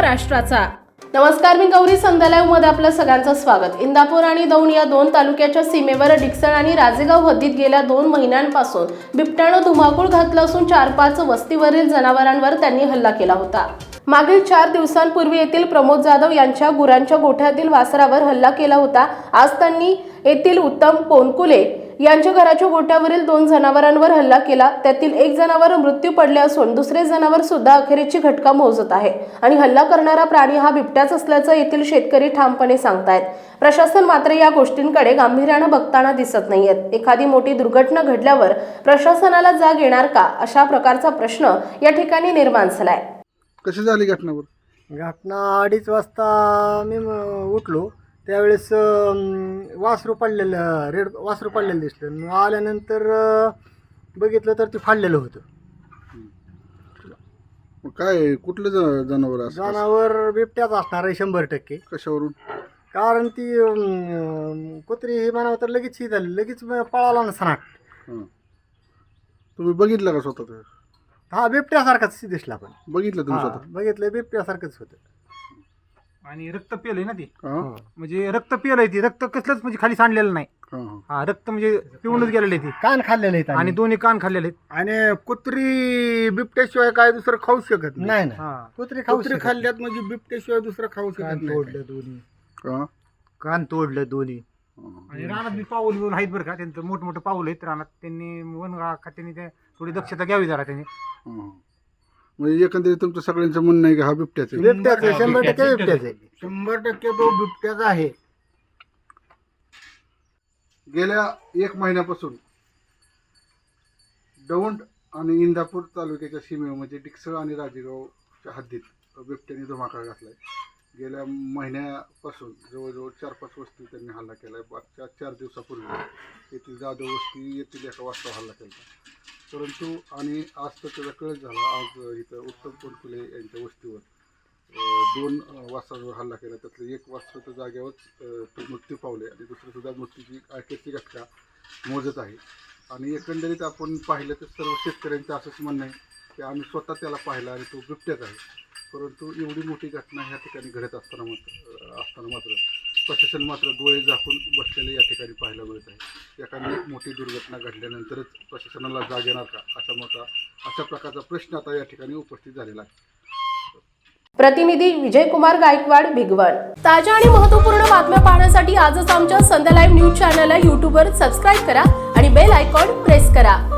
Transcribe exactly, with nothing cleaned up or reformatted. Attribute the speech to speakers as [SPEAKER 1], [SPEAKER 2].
[SPEAKER 1] महाराष्ट्राचा। नमस्कार, मी गौरी संध्या लाईव्ह मध्ये आपलं सगळ्यांचं स्वागत। इंदापूर आणि दौंड या दोन तालुक्याच्या सीमेवर डिक्सळ आणि राजेगाव हद्दीत गेल्या दोन महिन्यांपासून बिबट्यानं धुमाकूळ घातलं असून चार पाच वस्तीवरील जनावरांवर त्यांनी हल्ला केला होता। मागील चार दिवसांपूर्वी येथील प्रमोद जाधव यांच्या गुरांच्या गोठ्यातील वासरावर हल्ला केला होता। आज त्यांनी येथील उत्तम पोनकुले यांच्या घराच्या गोठ्यावरील दोन जनावरांवर हल्ला केला। त्यातील एक जनावर मृत्यू पडले असून दुसरे जनावर सुद्धा अखेरीची घटका मोजत आहे आणि हल्ला करणारा प्राणी हा बिबट्याच असल्याचं येथील शेतकरी ठामपणे सांगतायत। प्रशासन मात्र या गोष्टींकडे गांभीर्याने बघताना दिसत नाहीयेत। एखादी मोठी दुर्घटना घडल्यावर प्रशासनाला जाग येणार का, अशा प्रकारचा प्रश्न या ठिकाणी निर्माण झालाय।
[SPEAKER 2] कशी झाली घटनावर?
[SPEAKER 3] घटना अडीच वाजता मी उठलो, त्यावेळेस वासरू पडलेलं रेड वासरू पडलेलं दिसलं। मग आल्यानंतर बघितलं तर ते फाडलेलं होतं।
[SPEAKER 2] मग काय कुठलं ज- जनावर असं?
[SPEAKER 3] जनावर बिबट्याच असणार आहे शंभर टक्के।
[SPEAKER 2] कशावरून?
[SPEAKER 3] कारण ती अं, कुत्री हे म्हणावं तर लगेच ही झाली, लगेच पळाला ना सनाट।
[SPEAKER 2] हां, तुम्ही बघितलं का स्वतः? ते?
[SPEAKER 3] हा बिबट्यासारखाच दिसला, पण
[SPEAKER 2] बघितलं तुम्ही
[SPEAKER 3] हा,
[SPEAKER 2] स्वतः?
[SPEAKER 3] बघितलं बिबट्यासारखंच होतं।
[SPEAKER 4] आणि रक्त पिलंय ना ती,
[SPEAKER 2] हां
[SPEAKER 4] म्हणजे रक्त पिलंय ती, रक्त कसलंच म्हणजे खाली सांडलेलं नाही।
[SPEAKER 2] हां हां.
[SPEAKER 4] हा, रक्त म्हणजे पिऊनच गेलेलं आहे ती,
[SPEAKER 3] कान खाल्लेले आहेत
[SPEAKER 4] आणि दोन्ही कान खाल्लेले आहेत।
[SPEAKER 5] आणि कुत्री बिबट्याशिवाय काय दुसरं खाऊ शकत नाही.
[SPEAKER 3] नाही नाही
[SPEAKER 4] हा,
[SPEAKER 3] कुत्री खाऊ
[SPEAKER 5] कुत्री
[SPEAKER 3] शकत
[SPEAKER 5] खाल्ल्यात म्हणजे बिबट्याशिवाय दुसरं खाऊ शकत
[SPEAKER 3] कान
[SPEAKER 5] नाही.
[SPEAKER 3] तोडलं दोन्ही,
[SPEAKER 2] हां
[SPEAKER 3] कान तोडलं दोन्ही।
[SPEAKER 2] हां.
[SPEAKER 4] आणि रानात बी पाऊल बिऊल आहेत बरं का, त्यांचं मोठमोठे पाऊल आहेत रानात। त्यांनी वन खात्याने ते थोडी दक्षता घ्यावी जरा त्यांनी।
[SPEAKER 2] हां. म्हणजे एकंदरीत तुमचं सगळ्यांचं म्हणणं आहे की हा बिबट्याच आहे?
[SPEAKER 3] बिबट्याच आहे, शंभर टक्के बिबट्याच आहे।
[SPEAKER 5] शंभर टक्के तो बिबट्याचा आहे।
[SPEAKER 2] गेल्या एक महिन्यापासून दौंड आणि इंदापूर तालुक्याच्या सीमेवर म्हणजे डिक्सळ आणि राजेगावच्या हद्दीत बिबट्याने धुमाकूळ घातलाय। गेल्या महिन्यापासून जवळजवळ चार पाच वस्ती त्यांनी हल्ला केलाय। मागच्या चार दिवसापूर्वी येथील जाधव वस्ती येथील एका वाजता हल्ला केला, परंतु आणि आज तर त्याचा कळत झाला। आज इथं उत्तम पोनकुले यांच्या वस्तीवर अं, दोन अं, वासरांवर हल्ला केला। त्यातलं एक वासरू तर जागेवरच अं, तो मृत्यू पावले आणि दुसरं सुद्धा मृत्यूची अखेरची घटका मोजत आहे। आणि एकंदरीत आपण पाहिलं तर सर्व शेतकऱ्यांचं असंच म्हणणं आहे की आम्ही स्वतः त्याला पाहिला आणि तो बिबट्याच आहे। परंतु एवढी मोठी घटना ह्या ठिकाणी घडत असताना मात्र असताना मात्र प्रशासन मात्र डोळे झाकून बसलेले या ठिकाणी पाहायला मिळत आहे। एखादी मोठी दुर्घटना घडल्यानंतरच प्रशासनाला जाग येणार का, असा मोठा अशा प्रकारचा प्रश्न आता या ठिकाणी उपस्थित झालेला आहे।
[SPEAKER 1] प्रतिनिधी विजयकुमार गायकवाड, भिगवण। ताज्या आणि महत्त्वपूर्ण बातम्या पाहण्यासाठी आजच आमच्या संध्या लाईव्ह न्यूज चॅनलला यूट्यूबवर सबस्क्राईब करा आणि बेल आयकॉन प्रेस करा।